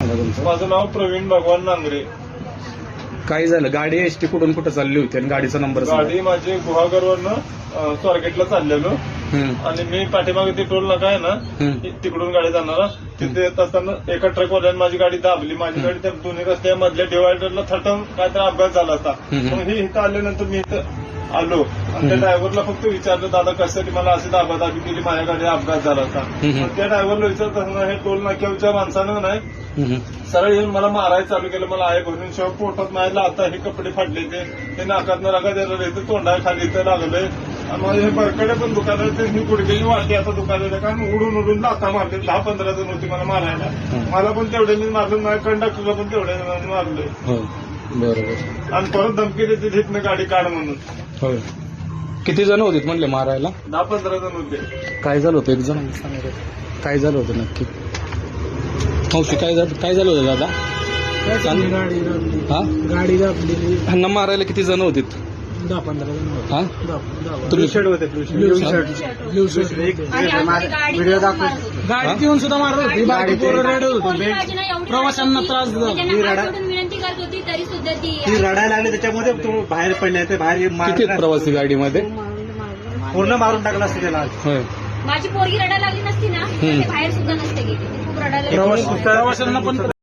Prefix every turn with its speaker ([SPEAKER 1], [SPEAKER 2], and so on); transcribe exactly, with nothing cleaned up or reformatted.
[SPEAKER 1] सांगा तुमचं.
[SPEAKER 2] माझं नाव प्रवीण भगवान नांगरे.
[SPEAKER 1] काय झालं? गाडी एसटी कुठून कुठं चालली होती आणि गाडीचा नंबर सांगा.
[SPEAKER 2] गाडी माझी गुहागरवरनं स्वारगेटला चाललेलो
[SPEAKER 1] हं,
[SPEAKER 2] आणि मी पाठीमागे ते टोल नाका आहे ना,
[SPEAKER 1] हं.
[SPEAKER 2] तिकडून गाडी जाणारा तिथे येत असताना एका ट्रकवाल्याने माझी गाडी दाबली. माझी गाडी त्या दोन्ही रस्त्यामधल्या डिवायडरला थटून काहीतरी अपघात झाला होता.
[SPEAKER 1] हम्म.
[SPEAKER 2] मग हे इथं आल्यानंतर मी इथं आलो आणि त्या ड्रायव्हरला फक्त विचारलं, दादा कशासाठी मला अशी दाबादाबी केली, माझ्या गाडी अपघात झाला होता.
[SPEAKER 1] हम्म.
[SPEAKER 2] मग त्या ड्रायव्हरला विचारत असताना हे टोल नाक्याच्या माणसानं नाही
[SPEAKER 1] हं,
[SPEAKER 2] सरळ येऊन मला मारायला चालू केलं. मला आहे भरून शेव पोटात मारायला, आता हे कपडे फाडले ते ते नाकातनं रगा द्यायला राहते, तोंडा खाली इथं लागलंय आणि माझे हे बरकडे पण दुकान आहे, ही गुडघेची वाटी आता दुकानात आहे, कारण उडून उडून लाथा मारले. दहा पंधरा जण होती मला मारायला. मला पण तेवढ्यांनी मारलं, माझ्या कंडक्टरला पण तेवढ्या जणांनी मारलंय
[SPEAKER 1] हो बरोबर.
[SPEAKER 2] आणि परत धमकी देते तिथनं गाडी काढ म्हणून.
[SPEAKER 1] होय. किती जण होते म्हणले मारायला?
[SPEAKER 2] दहा पंधरा जण होते.
[SPEAKER 1] काय झालं होतं? एक जण काय झालं होतं नक्की? मावशी काय झालं? काय झालं होतं दादा?
[SPEAKER 3] गाडी दाबली.
[SPEAKER 1] हा
[SPEAKER 3] गाडी दाबलेली.
[SPEAKER 1] ह्यांना मारायला किती जण होते?
[SPEAKER 3] दहा पंधरा जण होते.
[SPEAKER 1] हा
[SPEAKER 3] दहा- दहा-
[SPEAKER 1] तुम्ही
[SPEAKER 2] होते
[SPEAKER 3] blue shirt blue shirt video दाखवतो. गाडीत येऊन सुद्धा मारत होती. बाकी पोरं रडत होती. प्रवाशांना त्रास दिला.
[SPEAKER 4] विनंती करत होती तरी सुद्धा ती
[SPEAKER 5] ती रडायला लागली, त्याच्यामध्ये तो बाहेर पडले, ते बाहेर
[SPEAKER 1] किती
[SPEAKER 5] मारला.
[SPEAKER 1] आहेत प्रवासी गाडीमध्ये?
[SPEAKER 5] पूर्ण मारून टाकला असतं त्याला.
[SPEAKER 1] होय.
[SPEAKER 4] माझी पोरगी रडायला लागली नसती ना, ते बाहेर सुद्धा नसते गेली. ती खूप रडायला लागली.
[SPEAKER 3] प्रवाशांना पण